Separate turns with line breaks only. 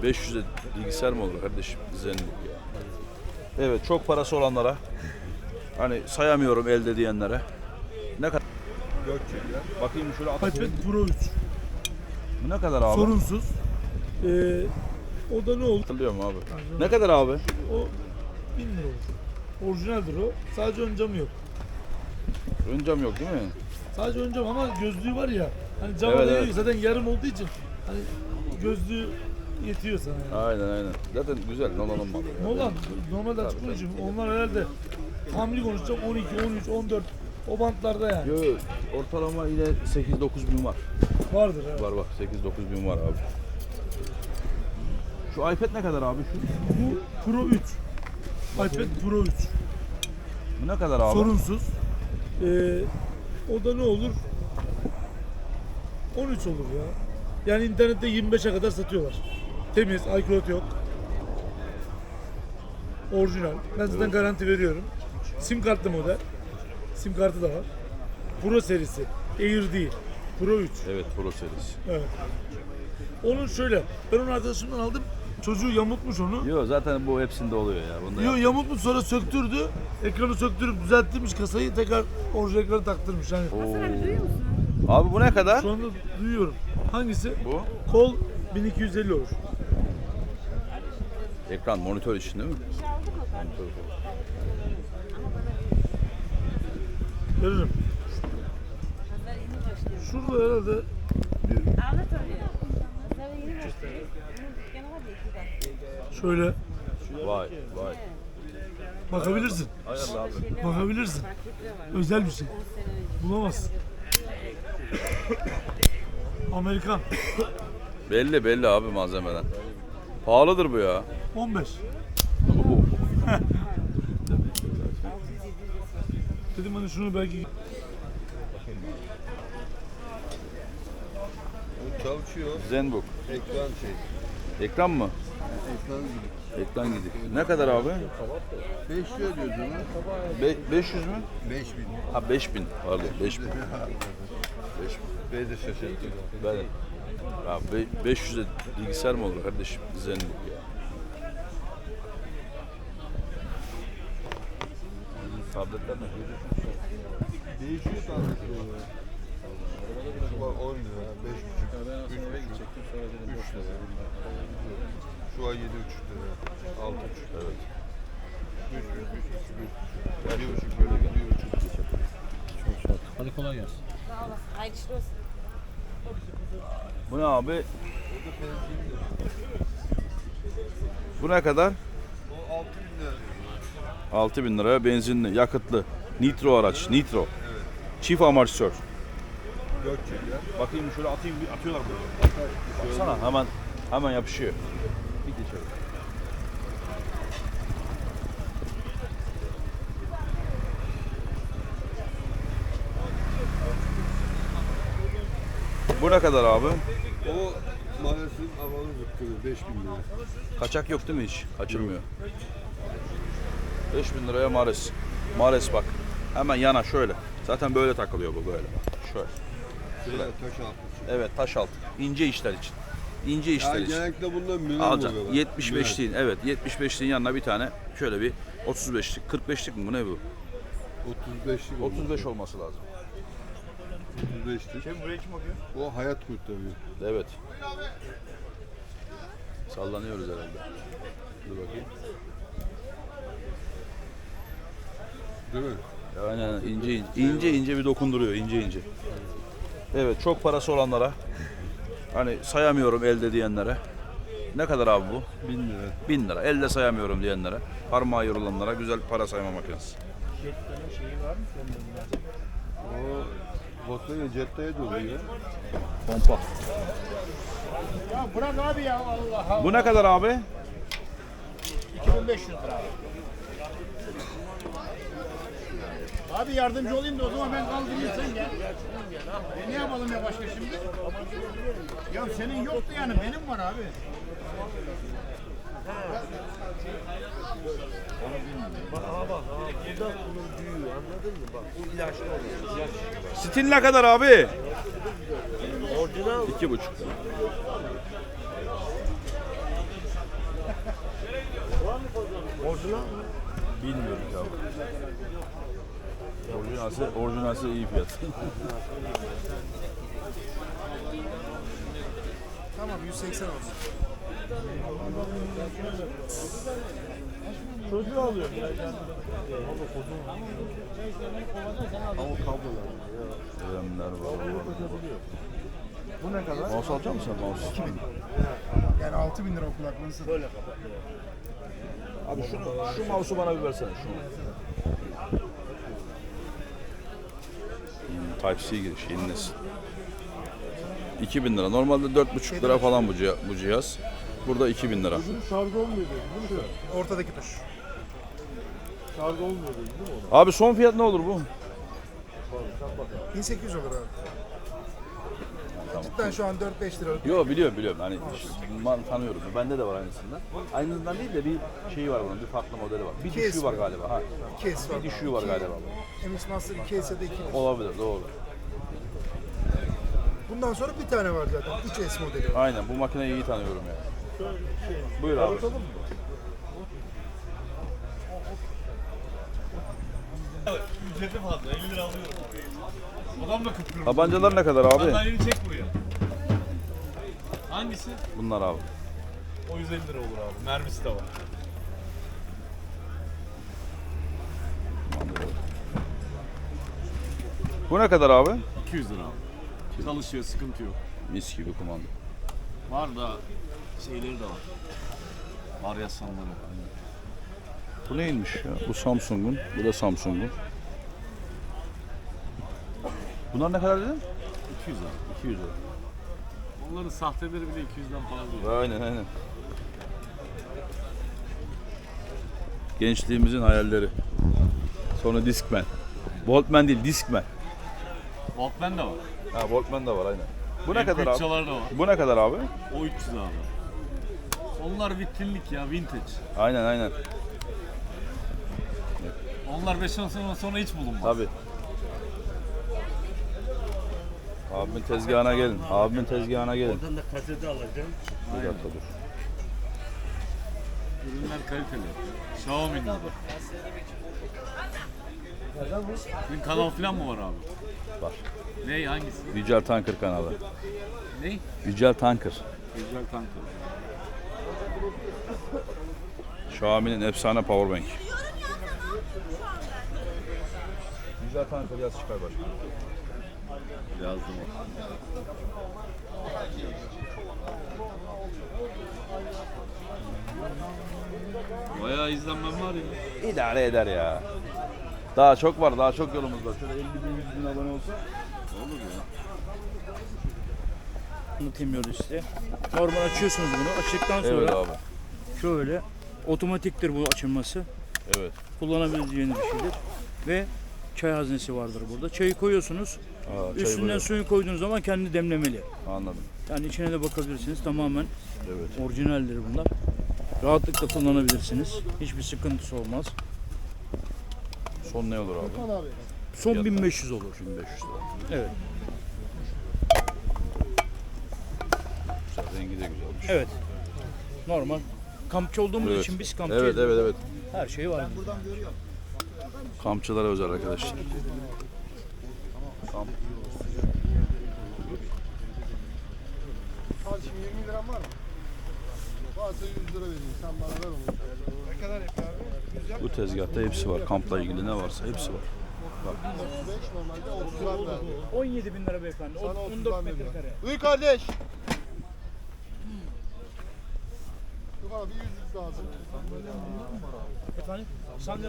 500'e bilgisayar mı olur kardeşim? Zenbook ya. Evet, çok parası olanlara, hani sayamıyorum elde diyenlere. Ne kadar? Bakayım şöyle
iPad Pro 3.
Bu ne kadar abi?
Sorunsuz. O da ne olur?
Hatırlıyorum abi. Ne kadar abi?
O 1000 lira olur. Orijinaldir o. Sadece ön camı yok.
Ön cam yok değil mi?
Sadece ön cam ama gözlüğü var ya. Hani cama
Evet,
değiyor.
evet.
Zaten yarım olduğu için hani gözlüğü yetiyor sana yani.
Aynen. Zaten güzel. Nolan'ın malı.
Nolan normalde açık konuşayım. Onlar herhalde hamli konuşacağım 12, 13, 14 o bantlarda yani.
Yo, ortalama yine 8-9 bin var.
Vardır evet.
Var bak 8-9 bin var abi. Şu iPad ne kadar abi şu?
Bu Pro 3. iPad Pro 3.
Bu ne kadar abi?
Sorunsuz. O da ne olur? 13 olur ya. Yani internette 25'e kadar satıyorlar. Temiz, iCloud yok. Orijinal. Ben zaten garanti veriyorum. Sim kartlı model. Sim kartı da var. Pro serisi. Air değil. Pro 3.
Evet, Pro serisi.
Evet. Onun şöyle. Ben onu arkadaşımdan aldım. Çocuğu yamultmuş onu.
Yo, zaten bu hepsinde oluyor ya. Bunda
Yo, yamultmuş sonra söktürdü. Ekranı söktürüp düzelttirmiş kasayı. Tekrar orijinal ekranı taktırmış. Yani
Abi bu ne kadar?
şu anda duyuyorum. Hangisi?
Bu
Kol 1250 olur.
ekran, monitör için değil mi? Monitör.
Veririm. Şurada herhalde şöyle
Vay.
bakabilirsin.
Ayarlı abi.
Bakabilirsin. Özel bir şey. Bulamazsın. Amerikan.
Belli abi malzemeden. Pahalıdır bu ya.
15. Dedim hani şunu belki
Çalışıyor.
Zenbook.
Ekran
Ekran mı?
Ekran gibi.
Ekran gidik. Ne kadar abi?
5 lira diyoruz ona.
500 mü?
5000.
Ha 5000. Pardon 5000.
Beni de şaşırttı.
Ben ya 500'e bilgisayar mı olur kardeşim? Zenbook ya. Tabletler ne?
Değişiyor tabletleri. Şu var 10 lira, 5,5, 3 lira. Şu an 7,5 lira, 6,5
Evet.
1,5 böyle gidiyor.
Hadi kolay gelsin.
Hayırlı işler olsun.
Bu ne abi? Bu ne kadar?
O 6.000 lira.
6000 liraya benzinli, yakıtlı. Nitro araç, nitro. Çift amortisör.
4 lira.
Bakayım şöyle atayım, atıyorlar buraya. Baksana hemen yapışıyor. Bir geçelim. Bu ne kadar abi?
O maalesef havalı zıkkılı 5.000 lira.
Kaçak yok değil mi hiç? Kaçırmıyor. 5000 liraya Mares. Mares bak. Hemen yana şöyle. Zaten böyle takılıyor bu böyle. Şöyle.
Şöyle taş altı.
Evet, taş altı. İnce işler için. İnce işler
Yani
için.
genellikle bundan milyon
Alacaksın.
oluyorlar.
75'liğin, evet 75'liğin yanına bir tane şöyle bir 35'lik, 45'lik mi bu ne bu?
35'lik
35 olması lazım.
35'lik. O hayat kurtarıyor.
Evet. Sallanıyoruz herhalde. Dur bakayım.
Değil mi?
Aynen ince bir dokunduruyor ince. Evet, çok parası olanlara, hani sayamıyorum elde diyenlere. Ne kadar abi bu?
1000 lira.
1000 lira. Elde sayamıyorum diyenlere, parmağı yorulanlara güzel para sayma makinesi.
O Volkswagen Jetta'ya doluyor.
Pompa.
Ya bırak abi ya Allah Allah.
Bu ne kadar abi?
2500 lira. Abi yardımcı olayım da o zaman ben kaldırayım sen gel. Ne yapalım ya başka şimdi? Ya senin yoktu yani benim var abi.
Stil ne kadar abi? Orijinal. 2,5 lira. Orijinalse iyi fiyat.
Tamam 180 olsun.
Çocuğu alıyorum ya.
Kremler var.
Bu ne kadar?
Mouse alacak mısın mouse?
2000. Yani 6000 lira o kulaklığını satıyor.
Abi şu mouse'u bana bir versene şunu. Type-C giriş yeni nesil. 2000 lira. Normalde 4,5 lira falan bu cihaz. Burada 2000 lira.
Şarj olmuyor değil mi?
Ortadaki tuş.
Şarj olmuyor değil mi?
Abi son fiyat ne olur bu?
1800 olur abi. Cidden şu an 4-5 liralık.
Yo biliyorum. Hani ben tanıyorum. Bende de var aynısından. Aynısından değil de bir şeyi var bunun. Bir farklı modeli var. Bir
Case
düşüğü var
mi?
galiba. Ha.
Case var.
Bir düşüğü var galiba.
MX Master 2 ya da 2.
Olabilir doğru.
Bundan sonra bir tane var zaten. 3S modeli var.
Aynen bu makineyi iyi tanıyorum ya. Buyur abi.
Ücreti fazla 50 lira alıyorum. Adam da kıpkırmızı.
Tabancalar ne kadar abi?
Sandalyeni çek buraya. Hangisi?
Bunlar abi.
O 150 lira olur abi. Mermisi de var.
Bu ne kadar abi?
200 lira abi. Çalışıyor, sıkıntı yok.
Mis gibi kumanda.
Var da şeyleri de var. Varyasyonları.
Bu neymiş ya? Bu Samsung'un, bu da Samsung'un. Bunlar ne kadar dedin?
200 abi.
200 lira.
Onların sahteleri bile 200'den fazla değil.
Aynen. Gençliğimizin hayalleri. Sonra Discman. Walkman değil, Discman.
Walkman de var.
Ha, Walkman da var aynen. Bu ne
MP3
kadar abi?
çalar da var.
Bu ne kadar abi?
O 300 abi. Onlar vitrinlik ya, vintage.
Aynen.
Onlar 5 sene sonra hiç bulunmaz.
Tabii. Abimin tezgahına gelin.
Oradan da kaseti alacağım.
Bir dakika dur.
Ürünler kaliteli. Xiaomi'nin de. Senin kanal falan mı var abi?
Var.
Ne hangisi?
Yücel Tanker kanalı.
Ne?
Yücel Tanker.
Güzel tanker.
Xiaomi'nin efsane powerbank. Yücel Tanker yaz çıkar başka.
Yazdım. Bayağı izlenmem var ya.
İdare eder ya. Daha çok var, daha çok yolumuz var. Şöyle 50 bin, 100 bin abone olsa.
Olur ya.
Anlatamıyoruz size. Normal açıyorsunuz bunu. Açtıktan sonra
Evet abi.
şöyle otomatiktir bu açılması.
Evet.
Kullanabileceğiniz bir şeydir. Ve çay haznesi vardır burada. Çayı koyuyorsunuz.
Aa, çay
Üstünden
böyle.
suyu koyduğunuz zaman kendi demlemeli.
Anladım.
Yani içine de bakabilirsiniz. Tamamen
Evet.
orijinaldir bunlar. Rahatlıkla kullanabilirsiniz. Hiçbir sıkıntısı olmaz.
Son ne olur abi?
Son
Fiyatlar.
1500 olur.
1500 lira.
Evet.
Güzel, rengi de güzelmiş.
Evet. Normal. Kampçı olduğumuz
Evet.
için biz kampçı
Evet.
her şey var.
Kampçılara özel arkadaşlar. Kamp.
Kardeşim 20 liram var mı? Varsa 100 lira vereyim. Sen bana ver onu. Ne kadar yapıyor abi?
Bu tezgahta hepsi var. Kampla ilgili ne varsa hepsi var.
5 normalde 30 lira verdim.
17 bin lira beyefendi.
Sana 30
14
lira
metrekare.
verdim. Buyur kardeş. Dur bana bir 100 lazım.
Efendim?